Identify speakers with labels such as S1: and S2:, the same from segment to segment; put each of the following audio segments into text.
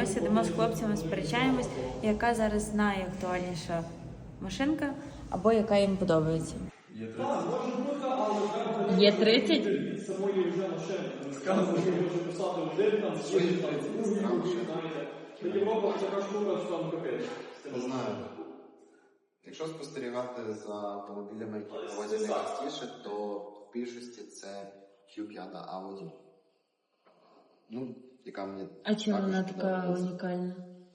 S1: ми сидимо з хлопцями, сперечаємось, яка зараз найактуальніша машинка, або яка їм подобається. Є 30?
S2: Самої вже машини. Сказано, що може писати один, там, свої знаєте. Європа це така штука, що там капець.
S3: Не знаю. Якщо спостерігати за автомобілями, які проводять найчастіше, то в більшості це Q5 Audi. Ну, яка мені
S1: А чому
S3: також
S1: вона така
S3: подобається.
S1: унікальна?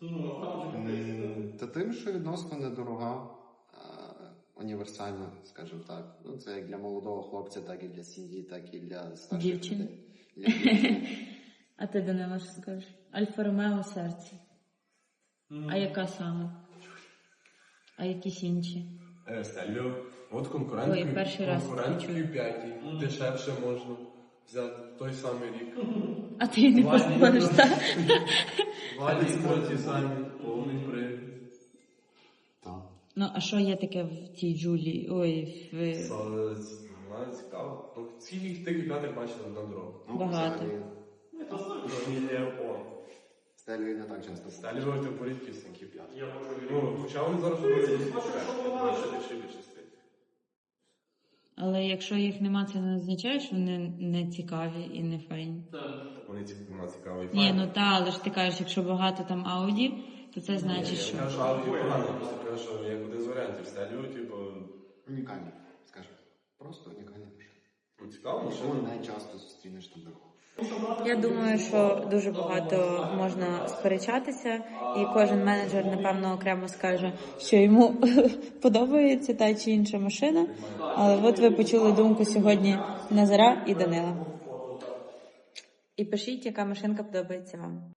S3: Та тим, що відносно недорога, універсальна, скажімо так. Ну, це як для молодого хлопця, так і для сім'ї, так і для старших
S1: Дівчин.
S3: людей. Для дівчин.
S1: А ти, Данило, що скажеш? Альфа Ромео серце. А яка саме? А якісь інші?
S4: Стеліо. От конкурент
S1: Ой, перший раз чую.
S4: Q5, дешевше можна взяти той самий рік.
S1: А ти не поспориш, так?
S4: Валі ті самі, повний привід.
S3: Так.
S1: Ну, а що є таке в цій Джулі? Ой, в...
S4: Вона цікаво. Ну, всіх тих Q5 бачили на дорогу.
S3: Ну,
S1: Багато.
S4: Фамілія О.
S3: Стелі не так часто.
S4: Стеліо це порідкісний Q5. Ну, хоча вони зараз робили більше більше стоїть.
S1: Але якщо їх нема, це не означає, що вони не цікаві і не файні.
S4: Вони цікаві.
S1: Ні, ну та, але ж ти кажеш, якщо багато там Ауді, то це значить, що...
S4: Я кажу, Audi погано, просто кажу, що як один з варіантів. Стеліо, типу,
S3: Унікальні, скажімо. Просто унікальні машини.
S4: ну, цікаво,
S3: Що
S4: машина.
S3: найчасто зустрінеш на дорогу.
S1: Я думаю, що дуже багато можна сперечатися, і кожен менеджер, напевно, окремо скаже, що йому подобається та чи інша машина. Але от ви почули думку сьогодні Назара і Данила. І пишіть, яка машинка подобається вам.